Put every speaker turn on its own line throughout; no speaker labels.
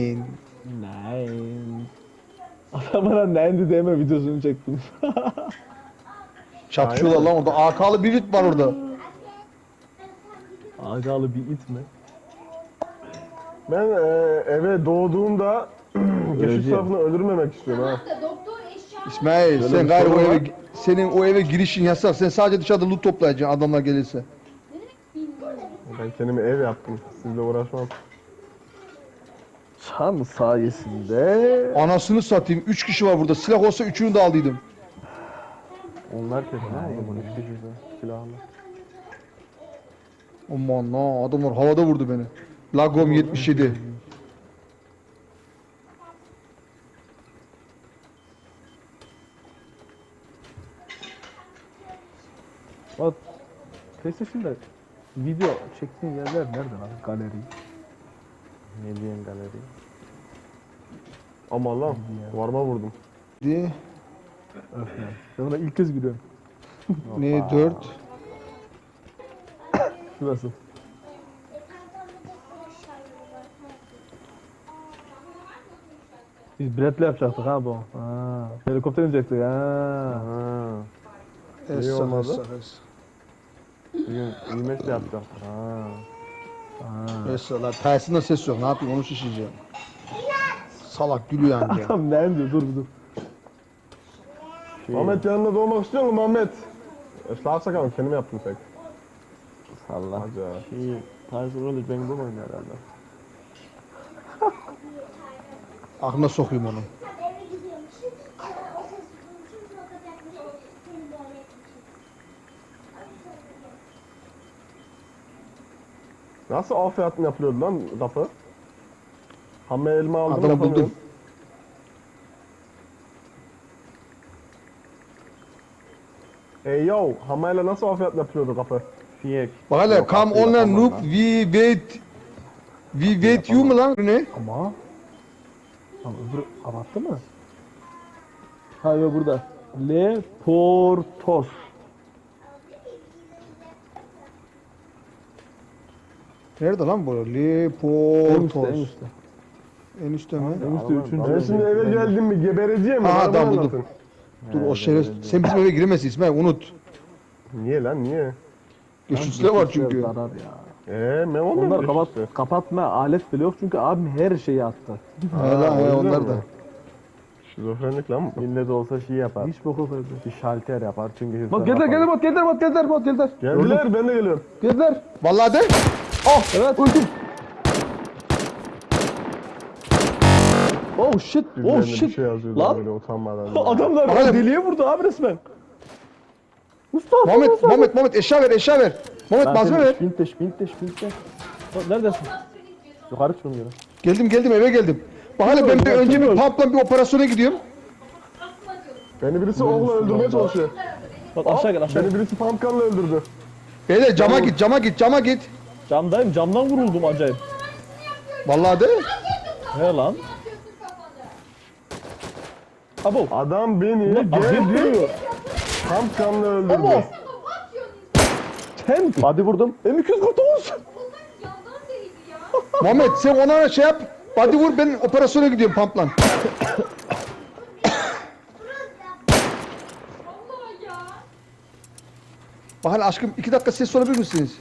Nein.
Nein. Adamına nendi deme videosunu çektim.
Çatışıyorlar lan orada. AK'lı bir it var orada.
Agalı bir it mi?
Ben eve doğduğumda geçiş
Öleceğim.
tarafını öldürmemek istiyorum ha.
Doktor eşya
İsmail
Böyle
sen
bir
gayrı o
sorun
eve,
var.
senin o eve girişin yasak. Sen sadece dışarıda loot toplayacaksın adamlar gelirse.
Ben kendime ev yaptım. Sizle uğraşmam.
Çan sayesinde
Anasını satayım. 3 kişi var burada. Silah olsa 3'ünü de aldıydım.
Onlar kesin ha o zaman 3 kişi silahlı.
Aman la adamlar havada vurdu beni. Lagom 77.
bak PlayStation'da video çektiğin yerler nerede lan? Galeri.
Ne diyeyim galeri? Aman lan varma vurdum.
Di.
Öf ya. Ben ona ilk kez gülüyorum.
Ne 4?
Şurası. Biz biletle yapacaktık ha bu. Ha. Helikopter inecektik ha.
Ha.
Es
olmadı?
es.
Bugün IMF de yapacaktık ha.
Ha.
Es la tersinde ses yok. Ne yapayım onu şişeceğim. Salak gülüyor anca.
Tamam ne diyor? Dur bir dur.
Ahmet yanında doğmak istiyor musun Ahmet? Schlagzeug ama kendim yaptım tek.
Allah.
Acayip.
Tarzı öyle ben bulmayın herhalde.
Aklına sokayım onu.
eve gidiyormuşuz. O ses duymuş. Fakat yaklaşık seni böyle etmişiz.
Nasıl afiyat mı yapılıyordu lan kapı? Hamme elma aldım
Adamı
yapamıyorum.
buldum.
Hey yo, hamayla nasıl afiyat yapılıyordu kapı? Fiyek.
Bak hele come online noob we wait. We wait you mu lan? Bu ne?
Ama ama öbürü kapattı mı? Ha yok burada. Le Portos.
Nerede lan bu?
En üstte,
Leportos.
en üstte.
En üstte mi?
En üstte üçüncü.
Ben şimdi eve geldim mi gebereceğim mi?
Ha,
Bana
adam
bunu
buldum.
anlatın.
Dur o şeref. Sen bizim eve giremezsin İsmail unut.
Niye lan niye?
Güçlüsüler var çünkü.
Zarar ya.
Ben olmadım.
Onlar kapatma alet bile yok çünkü abim her şeyi attı.
He lan he onlar da.
Şizofrenlik lan bu.
İlle de olsa şey yapar.
Hiç boku verdi.
Bir şalter yapar çünkü hızlı.
Bak geldiler.
Geldiler ben de geliyorum.
Geldiler.
Vallahi de.
Evet. Öldüm. Oh shit. Oh
Birilerine bir
shit.
şey yazıyordu
Lan.
böyle utanmadan.
Adamlar
Oğlum.
deliye vurdu abi resmen. Mustafa.
Muhammed eşya ver eşya ver. Muhammed malzeme ver.
Binteş.
Neredesin?
Yukarı çıkıyorum.
Geldim eve geldim. Bak hele ben bir önce bir pumpla bir operasyona gidiyorum.
Beni birisi okla öldürmeye çalışıyor.
Bak aşağı gel aşağı.
Beni birisi pumpgunla öldürdü.
Beyler cama git.
Camdayım. Camdan vuruldum acayip.
Vallahi de.
He lan. Abo.
Adam beni
Ahmet
geldi
vuruyor.
pumpgunla öldürdü.
Abo. Sen.
Hadi vurdum.
M249.
Yandan değildi ya.
Muhammed sen ona şey yap. Hadi vur ben operasyona gidiyorum pumpla.
Vallahi ya.
Bak hele aşkım 2 dakika ses sorabilir misiniz?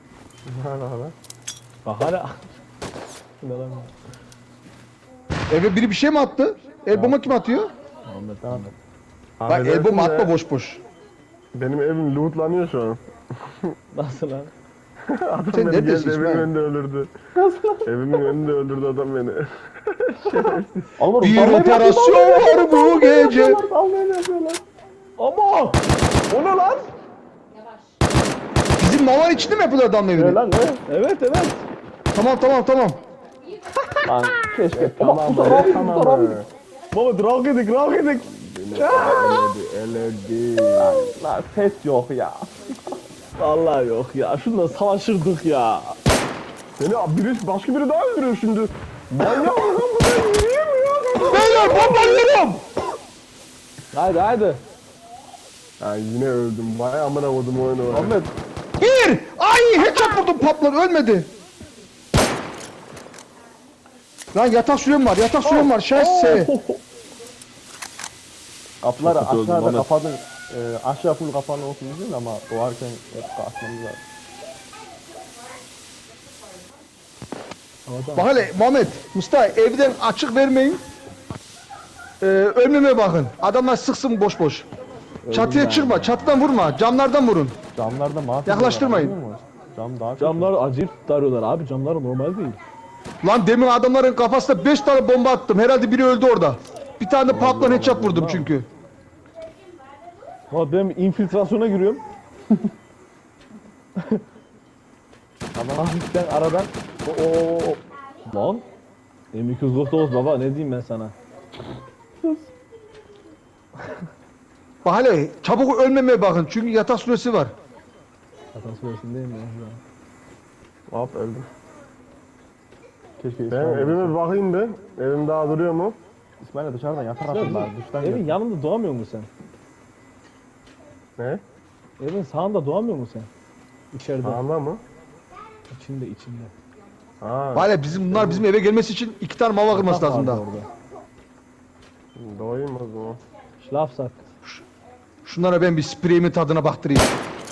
Bak hala. Ne lan?
Eve biri bir şey mi attı? El bomba kim atıyor?
Ahmet.
Bak el
Affedersin
bomba
de,
atma boş.
Benim evim lootlanıyor şu an.
Nasıl lan?
Adam
Sen
beni
neredesin
geldi evimin
İsmail?
önünde öldürdü. Evimin önünde öldürdü adam beni.
Alvarım.
Bir operasyon var bu gece.
Ama. O ne lan?
Bizim mavan içinde mi yapıyorlar adamın evini?
Lan ne?
Evet.
Tamam.
Lan keşke.
Tamam tamam.
Baba drag edik.
Eledi.
Lan ses yok ya.
Vallahi yok ya. Şundan savaşırdık ya.
Seni başka biri daha öldürüyor şimdi. Manyak mı lan bu ben yürüyemiyorum.
Beyler bombalıyorum.
Haydi.
Ya yine öldüm. Vay amına koydum oyunu.
Ahmet.
Bir. Ay headshot vurdum paplar ölmedi. Lan yatak sürem var, yatak sürem var. Şahse.
Kapıları
Çok kötü öldüm,
aşağıda
Ahmet.
kapadın. Aşağı full kapalı olsun değil ama doğarken hep açmamız lazım.
Bak hele Muhammed, Mustafa evden açık vermeyin. Önüme bakın. Adamlar sıksın boş boş. Çatıya çıkma, çatıdan vurma, camlardan vurun.
Camlarda mahvet.
Yaklaştırmayın.
ediyorlar, anlıyor musun? Cam daha kötü.
Camlar acayip darıyorlar abi. Camlar normal değil.
Lan demin adamların kafasına 5 tane bomba attım. Herhalde biri öldü orada. Bir tane de patlan headshot vurdum çünkü.
Ama ben infiltrasyona giriyorum.
Adam
Hafiften aradan. Oo. Lan. M249 baba ne diyeyim ben sana.
Bak hele çabuk ölmemeye bakın çünkü yatak süresi var.
Hatan süresindeyim ya.
Hop öldüm.
keşke
Ben
İsmail
evime bir bakayım be. Evim daha duruyor mu?
İsmail'e dışarıdan yatar atırlar. Dıştan
Evin
gel.
yanında doğamıyor musun sen?
Ne?
Evin sağında doğamıyor musun sen? İçeride.
Sağında mı?
İçinde.
Ha.
Bak hele bunlar bizim eve gelmesi için 2 tane mava kırması
Yatak
lazım
vardı
daha.
orada.
Doğayım o zaman.
Schlafsack.
Şunlara ben bir spreyimin tadına baktırayım.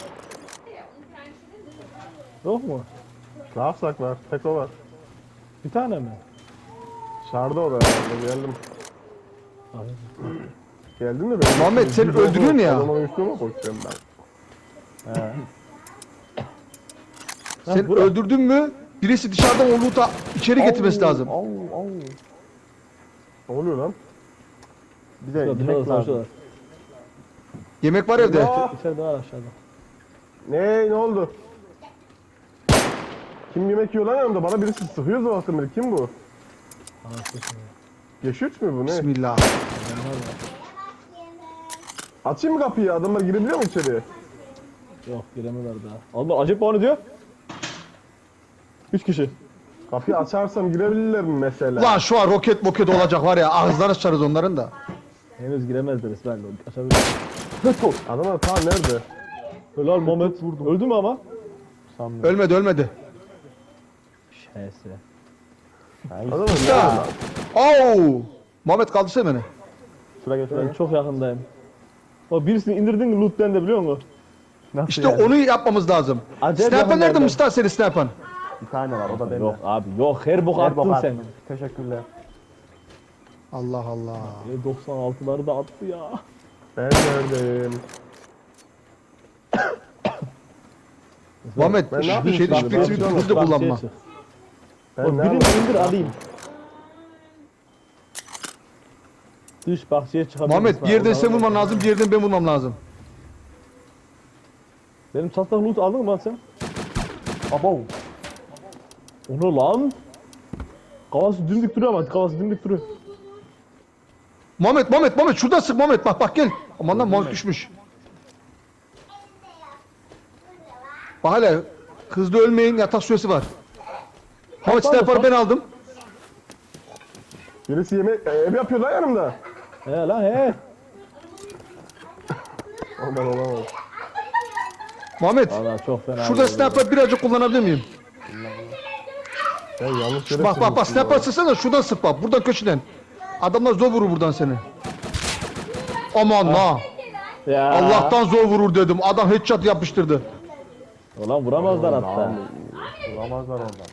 Yok mu?
Ne yapsak var? Tek o var.
Bir tane mi?
Dışarıda o da herhalde. Geldim.
Abi.
Geldin mi benim?
Muhammed, sen öldürüyorsun ya.
Adamın üstüne mi koşuyorum ben?
He.
Sen
bura.
öldürdün mü birisi dışarıdan o loot'a içeri getirmesi lazım.
Au.
Ne oluyor lan?
Bir de
Dışarıda
yemek lazım.
savaşıyorlar.
Yemek var evde.
Ya.
İçeride var aşağıda.
Ne oldu? Kim yemek yiyor lan yanımda? Bana birisi sıkıyor zaten beri. Kim bu?
Anasını.
Geçiç mi bu ne?
Bismillah.
Açayım mı kapıyı? Adamlar girebiliyor mu içeriye?
Yok giremiyorlar daha. Allah acayip bana diyor. 3 kişi.
Kapıyı açarsam girebilirler mi mesela?
Lan şu an roket olacak var ya ağızlarını sıçarız onların da.
Henüz giremezler İsmail. Açabilir.
Adamlar ta nerede?
Helal Mehmet. Öldü mü ama?
Sanmıyorum.
Ölmedi.
Şese.
Adamlar nerede
Ya.
lan?
Oo! Muhammed kaldırsana beni.
Şuraya gel şuraya
Ben
gel.
çok yakındayım. O birisini indirdin mi loot'ten de biliyor musun?
Nasıl
İşte
yani?
onu yapmamız lazım.
Acayip
Sniper nerede
yakınlarda.
Mustafa senin sniper?
Bir tane var o da bende.
Yok abi yok her bok
Her bok
attın
attım.
sen.
Teşekkürler.
Allah Allah.
96'ları da attı ya.
Ben neredeyim?
Muhammed
Ben ne yapayım
şey
şimdi?
şpritsi
Ben-
hızlı kullanma.
Ben
Oğlum
nerede?
birini indir alayım. Dış bahçeye çıkabilir
Muhammed
misin?
bir yerden sen
Oradan-
vurman lazım, bir yerden ben vurmam lazım.
Benim çatlak loot aldın mı lan sen?
Abo.
Onu lan. Kafası dimdik duruyor ama kafası dimdik duruyor.
Muhammed şuradan sık Muhammed bak gel. Aman lan Muhammed düşmüş. Bak hele hızlı ölmeyin yatak süresi var. Muhammed sniper'ı ben aldım.
Birisi yemek ev yapıyor lan yanımda.
He lan he.
Aman olamaz.
Muhammed
Valla çok fena.
şurada sniper birazcık kullanabilir miyim?
Ben yanlış yere
Bak
sürmüşüm
sniper
ya.
sıksana şuradan sık bak buradan köşeden. Adamlar zor vurur buradan seni. Aman la.
Ya.
Allah'tan zor vurur dedim. Adam headshot yapıştırdı.
Ulan vuramazlar hatta.
Vuramazlar oradan.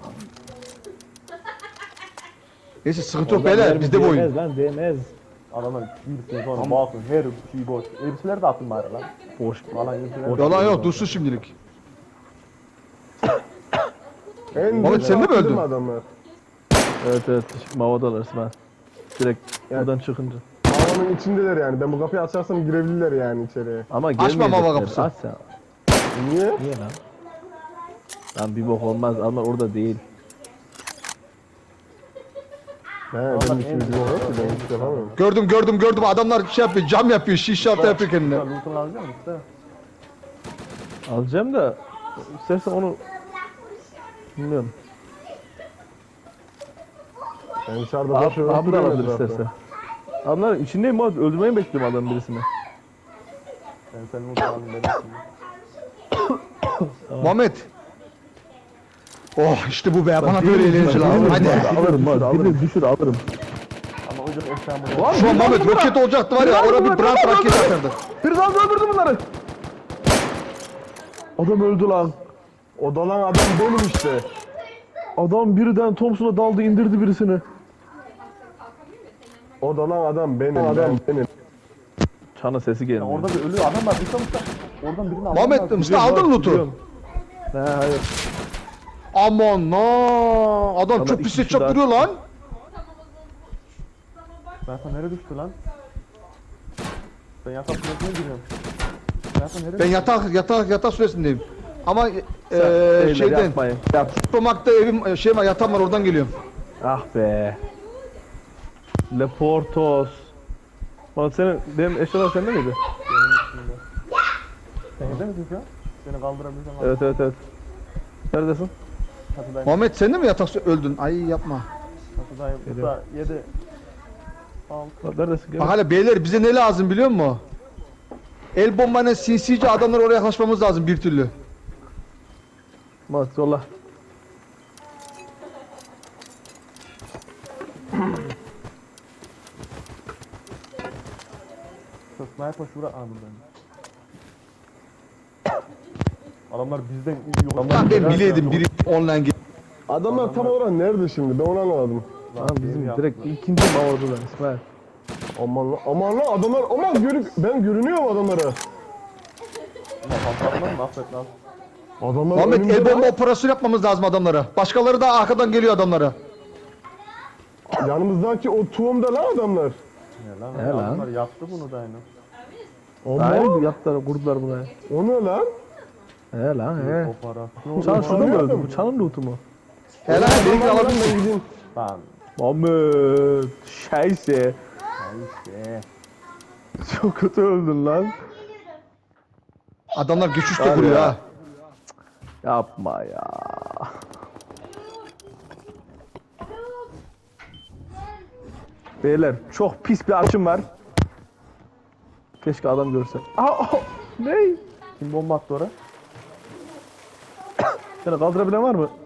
Neyse sıkıntı yok
Oradan
beyler
mermi
bizde bu oyun.
değmez lan değmez.
Adamlar birisine sonra bakın her şey boş. Elbiseleri de atın bari lan.
Boş.
Falan elbiseleri.
Yalan yok dursun şimdilik.
En
Muhammed, sen de mi
attırdım
öldün?
Adamlar.
Evet mavadalar İsmail. Direkt buradan çıkınca.
Havanın içindeler yani. Ben bu kapıyı açarsam girebilirler yani içeriye.
Ama
Açma
gelmeyecekler.
mava kapısı.
Aç sen.
Niye?
Niye lan? Lan bir bok olmaz. Onlar orada değil.
He benim işim gücüm yok ki ben hiç yapamıyorum.
Gördüm adamlar şey yapıyor cam yapıyor şiş altı yapıyor kendine.
Loot'unu alacak mısın? İşte.
Alacağım da istersen onu bilmiyorum.
Ben dışarıda boş
Abi da
duruyorum
alabilir
etrafta.
istersen. Adamlar içindeyim abi. Öldürmeyi mi bekliyorum adam birisini?
Ben senin loot'unu alayım dedim.
Muhammed Oh işte bu be. Bana böyle eğlence lazım. Hadi.
Alırım hadi alırım. Düşür alırım.
Ama hocam eşyamı
Şu an Mehmet roket olacaktı var ya. Orada bir brand raket atardı.
Bir daha öldürdü bunları. Adam öldü lan.
O dalan adam benim işte.
Adam birden Thompson'a daldı indirdi birisini.
O dalan adam benim.
Çana sesi gelmiyor.
Orada bir ölü adam var. Mustafa oradan birini almam
Muhammed
lazım.
Mustafa aldın loot'u.
Ne hayır.
Aman na adam çok
iki
pis
kişi
headshot
daha
vuruyor lan.
Berkan nereye düştü lan? Ben yatak süresine giriyorum. Berkan nereye
Ben yatak süresindeyim. Ama
Beyler,
şeyden
yapmayın. Yap.
Supermarket'ta evim şey var yatağım var oradan geliyorum.
Ah be. Leportos. Bak benim eşyalar sende miydi?
Sen evde misin şu an? Seni kaldırabilsem
Evet. Neredesin?
Çatıdayım.
Muhammed sen de mi öldün? Ay yapma.
Çatıdayım. Usta 7 6
Bak neredesin? Gel.
Bak hala beyler bize ne lazım biliyor musun? El bombayla sinsice adamlar oraya yaklaşmamız lazım bir türlü.
Bak yolla.
Sniper şura buradan. Adamlar bizden iyi yok.
Lan ben bileydim biri online git.
Adamlar tam olarak nerede şimdi? Ben onu anlamadım.
Lan bizim direkt ikinci mavadılar İsmail.
Aman lan adamlar ben görünüyorum adamlara.
Patlatmaz mı? Affet lan.
Adamlar
Muhammed
önümde
el
lan.
bomba operasyonu yapmamız lazım adamlara. Başkaları da arkadan geliyor adamlara.
Yanımızdaki o tuğumda lan adamlar.
Ne lan?
He lan.
Adamlar yaptı bunu da aynı.
Aynen yaptılar kurdular buraya.
O ne lan?
He lan he.
Operasyon.
Çan şurada mı
Anlıyordum.
öldü? Bu çanın lootu mu?
Helal benimkini
Adamlar lan,
alabilirsin.
ben gideyim.
Lan.
Muhammed. Şeyse.
Neyse.
Çok kötü öldün lan.
Adamlar güçlü de
Var
vuruyor
ya.
ha.
Yapma ya. Beyler çok pis bir açım var. Keşke adam görse. Ne?
Kim bomba attı oraya?
Seni kaldırabilen var mı?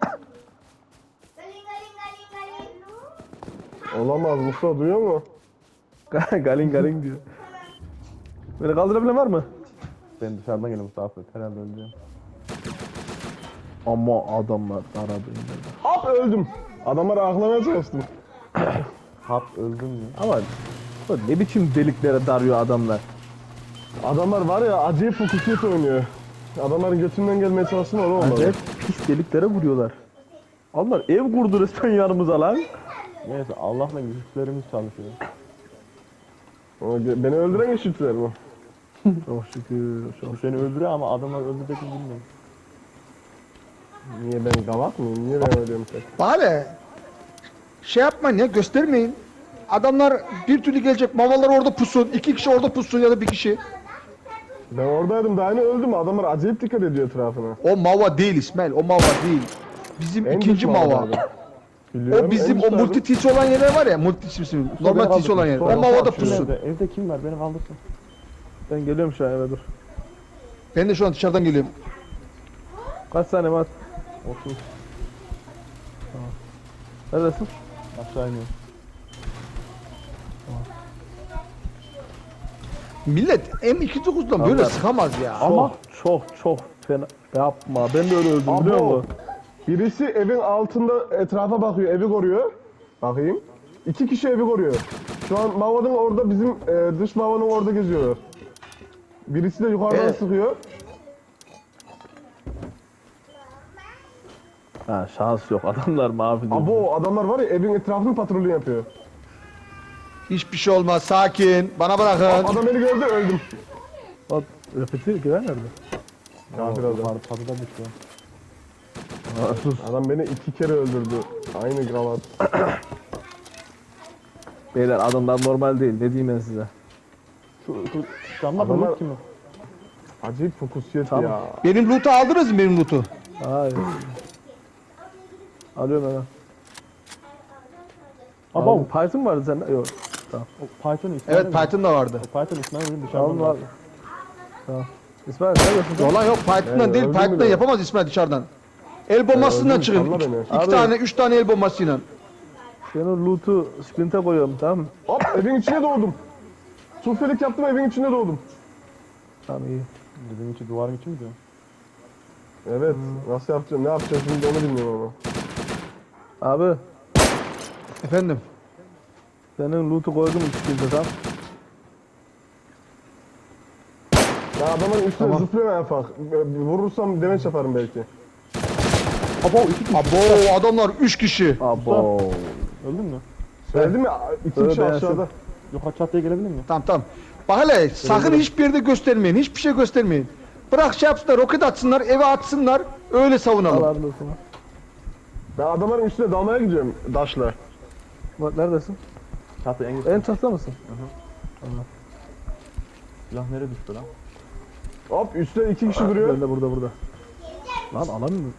Olamaz Mustafa duyuyor mu?
Galin galin diyor. Beni kaldırabilen var mı?
Ben dışarıdan geliyorum Mustafa. Herhalde öleceğim.
Ama adamlar aradı.
Hop öldüm. Adamları aklamaya çalıştım.
Hap öldüm mü?
Ama ne biçim deliklere darıyor adamlar.
Adamlar var ya acayip fokusiyet oynuyor. Adamların götünden gelmeye çalışsın oğlum onları.
Acayip pis deliklere vuruyorlar. Onlar ev kurdu resmen yanımıza lan.
Neyse Allah'la güçlerimiz çalışıyor.
Beni öldüren eşitler bu.
Çok şükür.
Bu seni öldürüyor ama adamlar öldürecek mi bilmiyorum.
Niye ben gavat mıyım? Niye ben ölüyorum tek?
Bari şey yapmayın ya göstermeyin. Adamlar bir türlü gelecek. Mavalar orada pusun. 2 kişi orada pusun ya da 1 kişi.
Ben oradaydım daha yeni öldüm. Adamlar acayip dikkat ediyor etrafına.
O mava değil İsmail. O mava değil. Bizim
En
ikinci
güçlü
mava.
adamlardı. Biliyorum,
O bizim
en
o
güçlü
multi tisi olan yerler var ya. Multi tisi. Normal tisi olan yer. O mavada pusun.
Evde kim var? Beni kaldırsın.
Ben geliyorum şu an eve dur.
Ben de şu an dışarıdan geliyorum.
Kaç saniye var?
30.
Neredesin?
Aşağı iniyorum.
Millet M249'dan böyle
Allah.
sıkamaz ya.
Ama çok fena. Yapma. Ben de öyle öldüm biliyor
Abo.
musun?
Birisi evin altında etrafa bakıyor, evi koruyor. Bakayım. 2 kişi evi koruyor. Şu an Mava'nın orada bizim dış Mava'nın orada geziyorlar. Birisi de yukarıdan sıkıyor.
Ha şans yok. Adamlar mavi diyor.
Abo adamlar var ya evin etrafını patrolü yapıyor.
Hiçbir şey olmaz. Sakin. Bana bırakın.
Adam beni gördü öldüm.
Bak repeti girer nerede?
Kafir adam.
Yukarı çatıda düştü.
Ha, sus.
Adam beni 2 kere öldürdü. Aynı kravat.
Beyler adamlar normal değil. Ne diyeyim ben size?
Şu camda
Adamlar-
bulut kim o?
Acayip fokusiyet
Tamam.
ya.
Benim loot'u aldınız mı benim loot'u?
Hayır. Alıyorum hemen.
Aba
Abi Python vardı sende. Yok.
o Python İsmail
Evet
mi?
Python da vardı.
O Python İsmail'in dışarıdan
Tamam
var.
abi. Tamam. İsmail neredesin sen?
Yalan yok Python'dan değil.
öldüm
Python'dan
bile.
yapamaz İsmail dışarıdan. El bombasıyla
öldüm,
çıkın.
salla
İki,
beni.
iki
Abi.
tane, 3 tane el bombasıyla.
Ben o loot'u sprinte koyuyorum, tamam mı?
Hop evin içine doğdum. Sufelik yaptım evin içine doğdum.
Tamam iyi.
Bizim için duvarın için mi diyor?
Evet. Nasıl yapacağım? Ne yapacağım şimdi onu bilmiyorum ama.
Abi,
Efendim.
senin loot'u koydum sprinte, tamam.
Ya adamın üstüne
Tamam.
zıplıyor en ufak. Vurursam demeç yaparım belki.
Abo adamlar 3 kişi.
Abo.
Öldün mü?
Söyledim ya iki
Öyle
kişi
beğensin.
aşağıda.
Yukarı çatıya gelebilir miyim?
Tamam tamam. Bak hele sakın hiçbir yerde göstermeyin. Hiçbir şey göstermeyin. Bırak şey yapsınlar, roket atsınlar, eve atsınlar. Öyle savunalım.
Allah olsun.
Ben adamların üstüne dalmaya gidiyorum daşla.
Bak neredesin?
Çatı en
En çatıda mısın?
Silah nereye düştü lan?
Hop üstte iki kişi duruyor.
Ben de burada. Lan alamıyorum.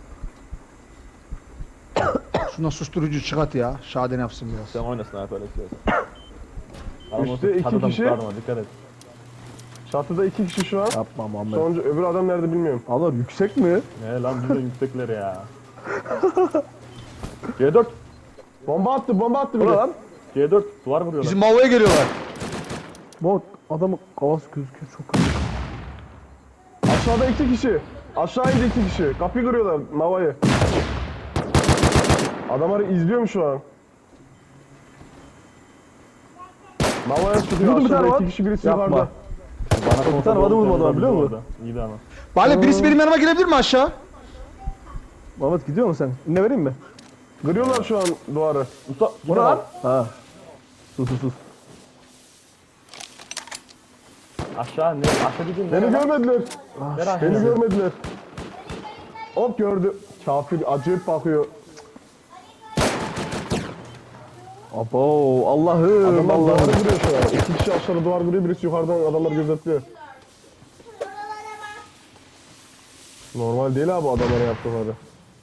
Şuna susturucu çıkart ya. Şaden yapsın biraz.
Sen oynasın abi öyle istiyorsan. Adam
Üstte
olsa
iki
çatıdan
kişi.
tutarma, dikkat et.
Çatıda iki kişi şu an.
Yapma Muhammed.
Sonuncu öbür adam nerede bilmiyorum.
Onlar yüksek mi?
Ne lan bize yüksekler ya. C4.
Bomba attı bir
Bura
de.
lan.
C4 duvar vuruyorlar.
Bizim Mavo'ya geliyorlar.
Bak adamın kafası gözüküyor çok kötü.
Aşağıda iki kişi. Aşağı indi iki kişi. Kapıyı kırıyorlar Mava'yı. Adamları izliyorum şu an. Mava'ya sıkıyor.
Vurdum bir tane
Aşağıda
var.
iki kişi birisi
Yapma.
yukarıda.
Bana
Bir tane adım vurmadı biliyor musun?
İyi de ama.
Bale birisi benim yanıma gelebilir mi aşağı?
Muhammed gidiyor musun sen? Ne vereyim mi?
Kırıyorlar şu an duvarı.
Usta
Bu
gidin
ne lan?
lan.
Ha. Sus.
Aşağı ne? Aşağı gidin.
Beni görmediler.
Nereye aşağı?
Beni görmediler. Hop gördü. Kafir acayip bakıyor.
Abo Allah'ım
Adamlar
Allah'ım.
duvarı kırıyor şu an. İki kişi aşağıda duvar kırıyor, birisi yukarıdan adamları gözetliyor. Normal değil abi adamlara yaptıkları.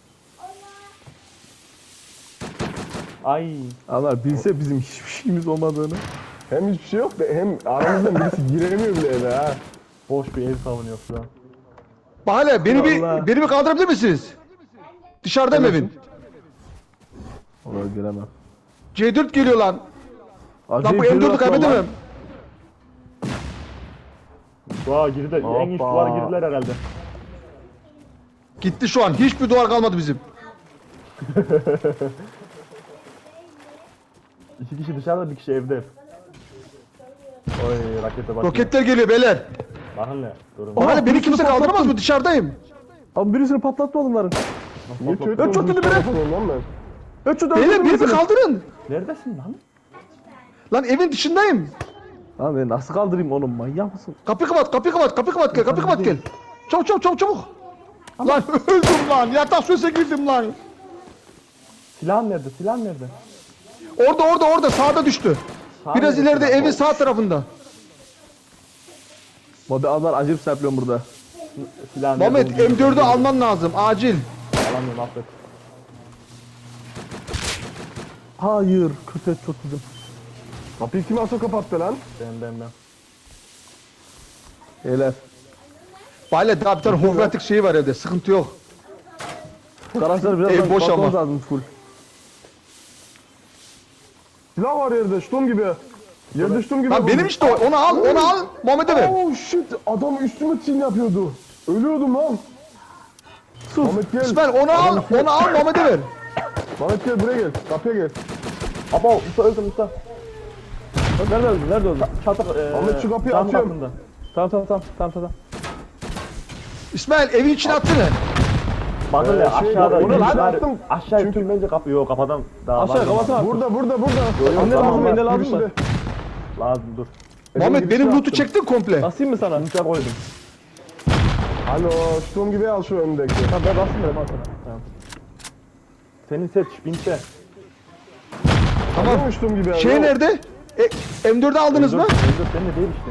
Ay.
Onlar bilse bizim hiçbir şeyimiz olmadığını.
Hem hiçbir şey yok da hem aramızdan birisi giremiyor bile eve ha.
Boş bir ev savunuyor şu an.
Bale beni
Allah.
beni bir kaldırabilir misiniz? Dışarıdayım evin.
Oraya giremem.
C4 geliyor lan. Lan bu M4'ü kaybedemem.
Dua girdi. En üst
Hoppa.
duvar girdiler herhalde.
Gitti şu an. Hiçbir duvar kalmadı bizim.
İki kişi dışarıda bir kişi evde. Oy rakete bak.
Roketler geliyor beyler.
Bakın ne? Durun.
Bale beni kimse kaldıramaz mı? Dışarıdayım.
Abi birisini patlattı onların.
Niye
Bak,
kötü
çok
olmuş
kötü biri.
tarafından lan ben?
Öçü
Beyler beni bir kaldırın.
Neredesin lan?
Lan evin dışındayım.
Lan ben nasıl kaldırayım onu, manyak mısın?
Kapıyı kapat, kapıyı kapat, kapıyı kapat gel, kapıyı kapat gel. Çabuk çabuk çabuk çabuk. Lan öldüm lan. Yatak süresine girdim lan.
Silahın nerede? Silahın nerede?
Orada sağda düştü. Biraz
nerede
ileride
silah?
evin sağ tarafında.
Abi adamlar acayip serpliyorum burada.
Silahın nerede?
Muhammed M4'ü alman lazım acil.
Alamıyorum affet.
Hayır, kötü et çok bizim.
Kapıyı kim asıl kapattı lan?
Ben.
Beyler.
Bale daha bir tane homogratik şeyi var evde. Sıkıntı yok.
Arkadaşlar biraz
Ev boş
bakmamız
ama.
lazım full.
Silah var yerde ştum gibi. Yerde ştum gibi.
Lan benim işte o. Onu al. Muhammed'e ver.
Oh shit adam üstüme tin yapıyordu. Ölüyordum lan.
Sus.
Mehmet gel.
İsmail onu al Muhammed'e ver.
Mehmet gel buraya gel. Kapıya gel.
Abo usta öldüm usta.
Nerede öldün? Nerede öldün?
Çatı
Ahmet, şu kapıyı
cam
atıyorum.
kapında.
Tamam.
İsmail evin içine atsana.
Bakın ya
şey,
aşağıda
onu lan
yürüyüşler-
attım.
Aşağı
Çünkü-
tüm bence kapı yok kapadan daha
Aşağı
var.
kapatsana.
Burada.
Ne lazım, ne lazım
Birisi
da?
de-
Lazım dur.
Muhammed
girişine
benim loot'u
attım.
çektin komple.
Basayım mı sana?
Uçak koydum.
Alo ştum gibi al şu önündeki.
Tamam ben basayım dedim al sana.
Senin set binte.
Tamam ştum gibi al.
Şey nerede? M4'ü aldınız mı?
Öldür senin de değil işte.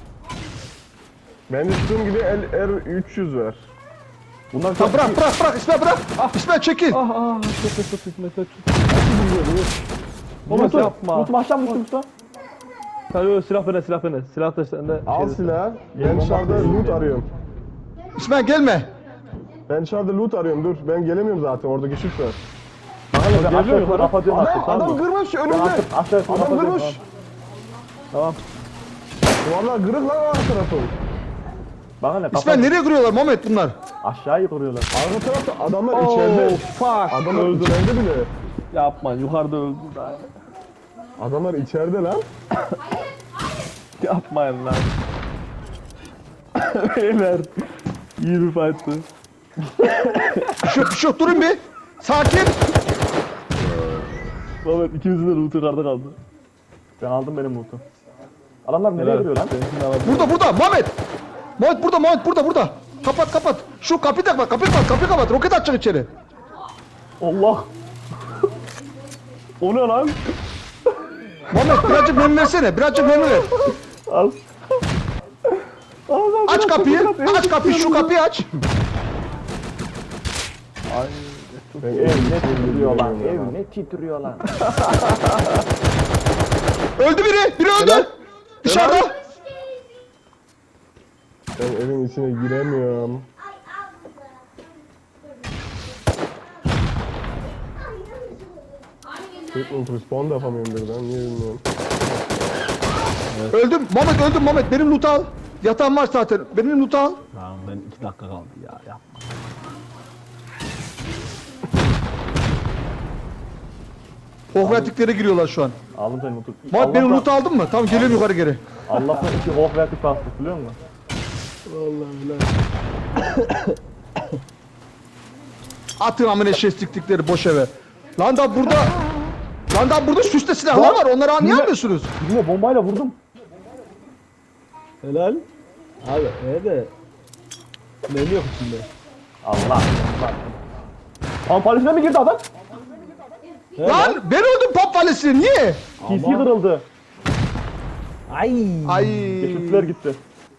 Bende ştum gibi R300 var.
Bunlar
Tamam bırak İsmail bırak. İsmail çekil.
Çok hikmet çok.
Umut
yapma.
Umut aşağı mı usta?
Hayır silah bende. Silah da sende.
Al silahı. Ben dışarıda loot arıyorum.
İsmail gelme.
Ben dışarıda loot arıyorum dur. Ben gelemiyorum zaten orada kişi var.
Bana ne ben
Geliyor
aşağı yukarı
yukarı.
kapatıyorum artık.
Adam
Tamam mı?
kırmış
Ben
önümde.
artık aşağı yukarı
Adam
kapatıyorum.
kırmış.
Tamam.
Vallahi kırık lan arka tarafı.
Bana ne?
İsmail nereye kırıyorlar Muhammed bunlar?
Aşağıyı kuruyorlar.
Arka tarafta adamlar içeride.
fuck.
Adamlar içeride bile.
Yapma yukarıda öldü daha.
Adamlar içeride lan.
Yapmayın lan. Beyler. İyi bir fight'tı.
Şu durun bir. Sakin.
Mehmet ikimizin de loot'u yukarıda kaldı. Ben aldım benim loot'u. Adamlar nereye gidiyor lan?
Burada Muhammed. Muhammed burada. Kapat. Şu kapıyı da kapıyı kapat. Roket atacak içeri.
Allah. O ne lan?
Muhammed birazcık mermi versene. Birazcık mermi ver.
Al. Allah,
Aç kapıyı. Şu kapıyı aç.
Ev ne titriyor lan? Ev ne titriyor lan?
Öldü biri. Biri öldü. Dışarıda.
Ben evin içine giremiyorum. Quick respawn da yapamıyorum birden. Niye bilmiyorum.
Öldüm. Muhammed benim loot'u al. Yatağım var zaten. Benim loot'u al.
Tamam ben 2 dakika kaldı ya yapma.
Hohvertiklere giriyorlar şu an.
Aldım senin loot'u.
Muhammed benim loot'u aldın mı? Tamam geliyorum yukarı geri.
Allah'tan 2 hof verdik bastık biliyor musun?
Atın amına eşeğistikleri boş eve. Lan da burada süste silahlar var. Onları anlayamıyorsunuz.
Birine bombayla vurdum.
Helal. Abi de ne yok içinde?
Allah. Pampalisine mi girdi adam?
Lan ben öldüm pop valisi. Niye?
PC kırıldı.
Ay.
Ay.
Geçitler gitti.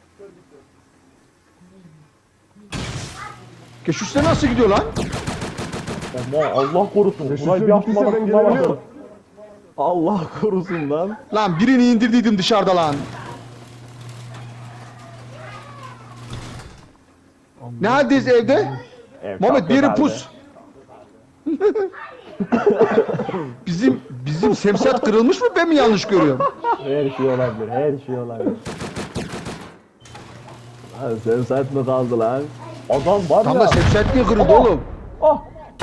Keşüşler nasıl gidiyor lan?
Aman Allah korusun.
Geçitler
Burayı bir
gittiyse
atma
ben
bak.
gelebiliyorum.
Allah korusun lan.
Lan birini indirdiydim dışarıda lan. Ne haldeyiz evde? Muhammed bir yere pus. Bizim semsat kırılmış mı, ben mi yanlış görüyorum?
Her şey olabilir. Her şey olabilir.
Abi sen saat mi kaldı lan?
Adam var
Tam
ya.
da semsat niye kırıldı
Ama-
oğlum?
Ah.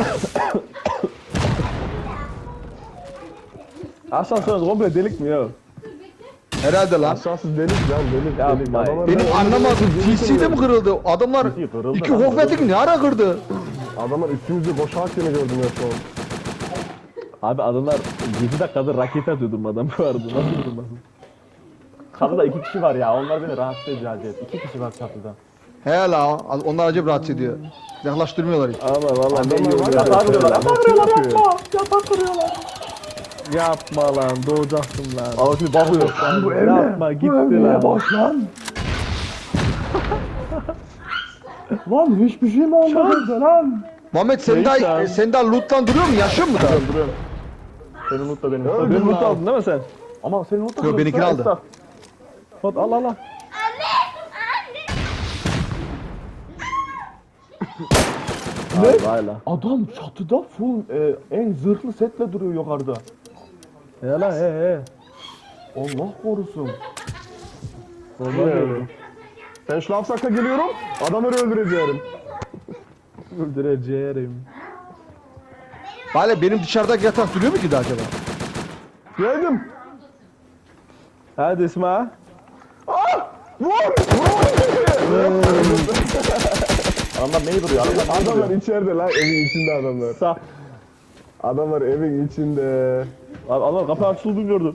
Asansör komple delik mi ya?
Herhalde lan.
Aşağısı delik lan delik.
Yapma
delik.
ya.
Adamlar
Benim
ben-
anlamadım. TC'de mi kırıldı? Adamlar
TC kırıldı
iki
lan,
hohvetik ne ara kırdı?
Adamlar üstümüzde boşaltken gördüm ya şu an.
Abi adamlar 7 dakikadır raket atıyor durmadan bu arada. Nasıl durmasın?
Çatıda 2 kişi var ya. Onlar beni rahatsız ediyor acayip. 2 kişi var çatıda.
He la, onlar acayip rahatsız ediyor. Yaklaştırmıyorlar hiç.
Ama vallahi ne iyi
Adamlar var
oluyor.
ya.
Yatağı kırıyorlar. Yatağı
Kim
kırıyorlar
yapıyor?
yapma. Yatağı kırıyorlar.
Yapma lan doğacaksın lan.
Ama şimdi bakıyor. Lan bu ev ne?
Yapma gitti
Bu ev niye
lan.
boş lan? Lan hiçbir şey mi olmadı evde lan?
Muhammed sen daha loot'tan duruyor mu? Yaşıyor mu daha?
Duruyorum. Senin loot da benim.
Öldüm
Benim loot
lan.
aldın değil mi sen?
Ama senin loot da
Yo, benimkini aldı.
Esnaf.
Hadi al al al. Ne? Hala.
Adam çatıda full en zırhlı setle duruyor yukarıda.
Ya lan he.
Allah korusun.
Bilmiyorum. Ben şu lafsakla geliyorum. Adamları öldüreceğim.
Öldüreceğim.
Hala benim dışarıdaki yatak duruyor mu ki de acaba?
Geldim.
Hadi İsmail.
Vur!
Adamlar neyi duruyor? Adamlar neyi
Adamlar
duruyor?
içeride lan evin içinde adamlar.
Sağ.
Adamlar evin içinde.
Abi adam kapı açıldığını gördüm.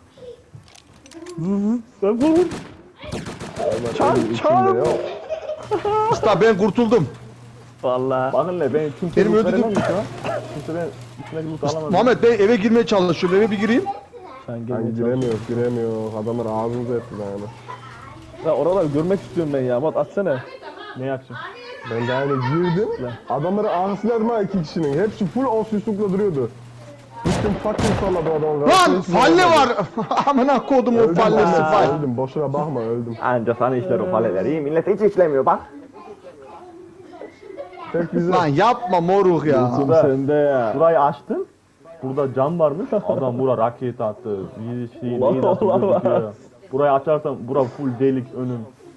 Sen vur.
Adamlar evin içinde yok.
Usta ben kurtuldum.
Valla.
Bakın ne ben kimse
Benim
loot
öldürdüğüm-
veremem ki şu an. Kimse ben üstüne loot alamadım.
Muhammed ben eve girmeye çalışıyorum. Eve bir gireyim.
Sen
Hani
gelmeye çalış.
giremiyor. Adamlar ağzımıza etti yani.
Ya oraları görmek istiyorum ben ya. Mat atsana.
Ne yapacağım?
Ben de hani girdim. Adamları ağzıladım ha 2 kişinin. Hepsi full off-üstlükle duruyordu. Gittim fucking salladı o adamı.
Lan falle var. Amına kodum o
Öldüm,
fallesi
öldüm,
fall.
öldüm. Boşuna bakma öldüm.
Anca sana işler o faleler. İyi millet hiç işlemiyor bak.
Tek bize.
Lan yapma moruk ya.
Lootum sende ya.
Burayı açtın. Burada cam varmış. Adam bura raket attı. Bir şey
Allah
neyi nasıl
Allah.
gözüküyor. Burayı açarsan bura full delik önüm.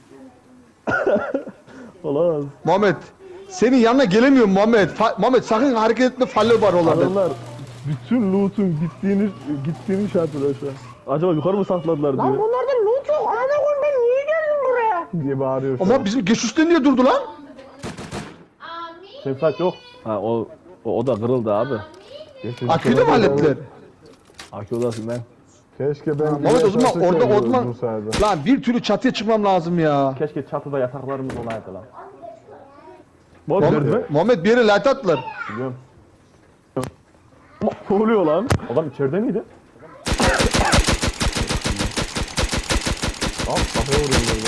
Olamaz.
Muhammed senin yanına gelemiyorum Muhammed. Muhammed sakın hareket etme falle var oralarda.
Adamlar bütün loot'un gittiğini şey yapıyorlar şu an. Acaba yukarı mı sakladılar diyor.
Bunlarda loot yok. Ana koyayım ben niye geldim buraya?
diye bağırıyor.
Ama bizim geçişte niye durdu lan?
Sefat yok.
Ha o da kırıldı abi.
Aküyü de mi hallettiler?
Akü odasından.
Keşke ben...
Muhammed o zaman
yaşasaydım
orada
uzun
orman...
sayede.
Lan bir türlü çatıya çıkmam lazım ya.
Keşke çatıda yataklarımız olaydı lan.
Muhammed bir yere light attılar.
Biliyorum.
Ne oluyor lan?
Adam içeride miydi?
Al kafaya vuruyorum böyle.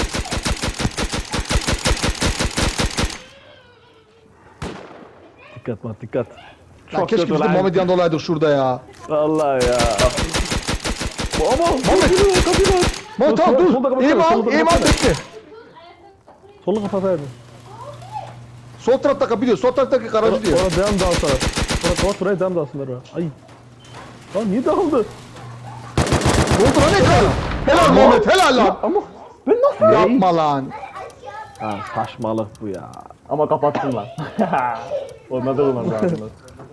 Dikkat.
Lan keşke biz de Muhammed yanında olaydık şurada ya.
Allah ya. Ama
Muhammed! Muhammed tamam
solda
dur.
kapatsana,
Eğim al,
solda
eğim al
kapatsana.
bekle.
Solu kapataydı.
Sol tarafta kapı diyor, sol taraftaki garajı diyor.
Sonra devam dağılsana. Sonra kapat burayı devam dağılsınlar. Ay. Lan niye dağıldı?
Ne oldu lan ekran? Helal Muhammed, helal lan.
Ama
Yapma lan.
ha, saçmalık bu ya.
Ama kapattın lan. Olmadı olmaz lazım.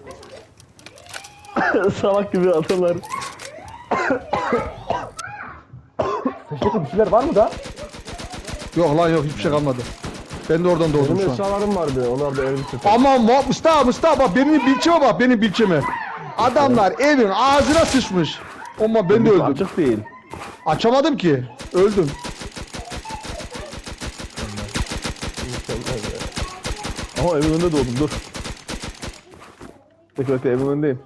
Salak gibi adamlar.
Teşekkür bir şeyler var mı da?
Yok lan yok hiçbir şey kalmadı. Ben de oradan doğdum
Benim
şu an.
eşyalarım vardı. Onlar da elbise.
Aman Mustafa bak benim bilçeme bak benim bilçeme. Adamlar evin ağzına sıçmış. Ama ben de öldüm.
Açık değil.
Açamadım ki. Öldüm.
Ama evin önünde doğdum dur. Bekle evin önündeyim.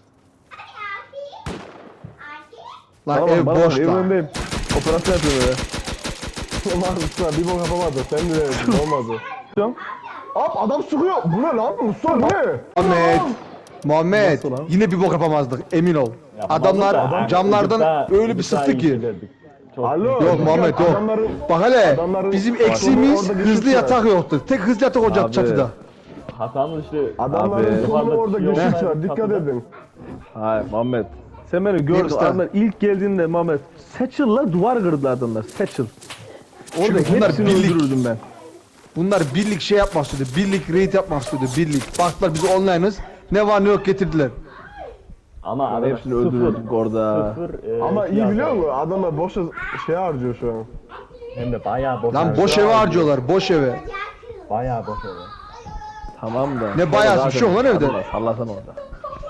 Lan
Tamam,
ev
bana bak,
boş
evin
lan.
önündeyim. Operasyon yapıyorum öyle.
Onlar Mustafa bir bok yapamadı. Sen de olmadı.
Tamam.
Hop adam sıkıyor. Bu ne lan? Mustafa ne?
Muhammed
Nasıl lan?
yine bir bok yapamazdık emin ol. Adamlar camlardan öyle bir sıktı ki.
Alo.
Yok Muhammed yok.
Adamların...
Bak hele
Adamların-
bizim eksiğimiz
orada
hızlı
geçiş
yatak yoktu. Tek hızlı yatak olacak
Abi.
çatıda.
Hasan'ın işte
Adamların
Abi.
sonu orada
Yok.
geçiş var. Dikkat edin.
Hayır Muhammed. Sen beni gördün.
usta?
Adamlar ilk geldiğinde Muhammed. Satchel'la duvar kırdılar adamlar. Satchel. Orada
Çünkü bunlar
hepsini
birlik.
öldürürdüm ben.
Bunlar birlik şey yapmak istiyordu. Birlik raid yapmak istiyordu. Birlik. Baktılar biz online'ız. Ne var ne yok getirdiler.
ama adam
Hepsini öldürürdük orada.
Ama iyi biliyor musun? Adamlar boşa şey harcıyor şu an.
Hem de bayağı boş.
Lan boş eve harcıyorlar. Boş eve.
Bayağı boş eve.
Tamam da.
Ne bayağı bir şey yok lan evde.
Sallasana orada.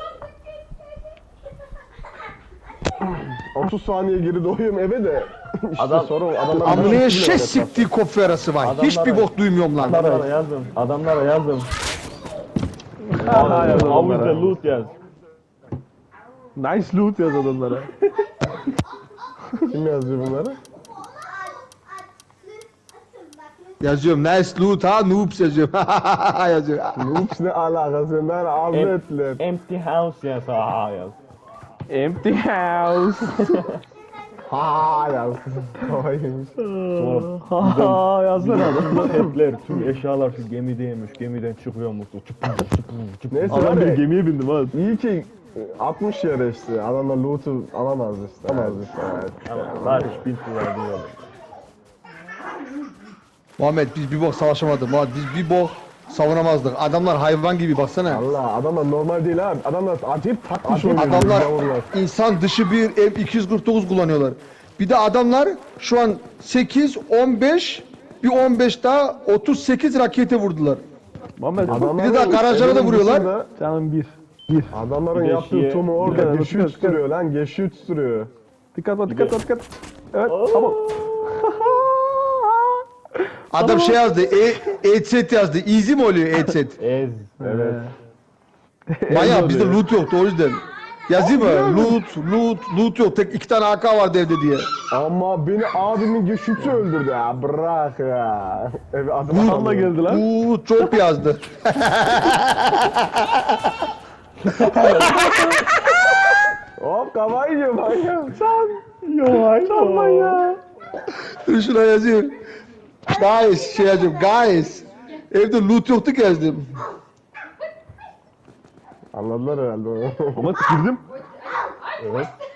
30 saniye geri doğuyorum eve de. İşte
Adam-
sorun adamlar...
Amına şey siktiği kopya arası var.
Adamlara-
Hiçbir bok duymuyorum lan.
Adamlara yazdım. Adamlara yazdım.
yazdım
Avuzda
onlara.
loot yaz.
Nice loot yaz adamlara.
Kim yazıyor bunları?
Yazıyorum nice loot ha noobs yazıyorum. yazıyor.
Ups ne alakası? Ben avretler.
Empty house yaz. Ha yaz.
Empty house.
Ha yaz. Havaymış.
Ha yazsana adam.
Petler, tüm eşyalar şu gemideymiş. Gemiden çıkıyormuş.
Neyse
Adam
var
bir
ya,
gemiye bindim ha.
iyi ki 60 yere işte. Adamlar loot'u alamaz işte. Alamaz işte. Evet.
Ama Barış bin dolar diyor.
Muhammed biz bir bok savaşamadık. Muhammed biz bir bok savunamazdık. Adamlar hayvan gibi baksana.
Allah adamlar normal değil abi. Adamlar acayip takmış oynuyor.
Adamlar
Yavrular.
insan dışı bir M249 kullanıyorlar. Bir de adamlar şu an 8, 15, bir 15 daha 38 rakete vurdular.
Muhammed
Bir de daha garajlara da vuruyorlar.
dışında
canım bir.
Adamların
Bir de
yaptığı
şeye-
tomu orada
Dikkat,
geçiyor
dikkat.
tutuyor lan. Geçiyor tutuyor.
Dikkat. Evet tamam.
Adam şey yazdı. Headset yazdı. Easy mi oluyor headset?
Ez.
Evet.
Maya bizde loot yoktu o yüzden. Yazayım mı? Loot yok. Tek 2 tane AK vardı evde diye.
Ama beni abimin geçütü öldürdü ya. Bırak ya. Evet adam
Adam da geldi lan.
Loot çok yazdı.
Hop kafayı yiyor manyak.
Dur şuna yazayım. Guys şey yazıyorum. Guys. Evde loot yoktu gezdim.
Anladılar herhalde onu.
Ama girdim.
Evet.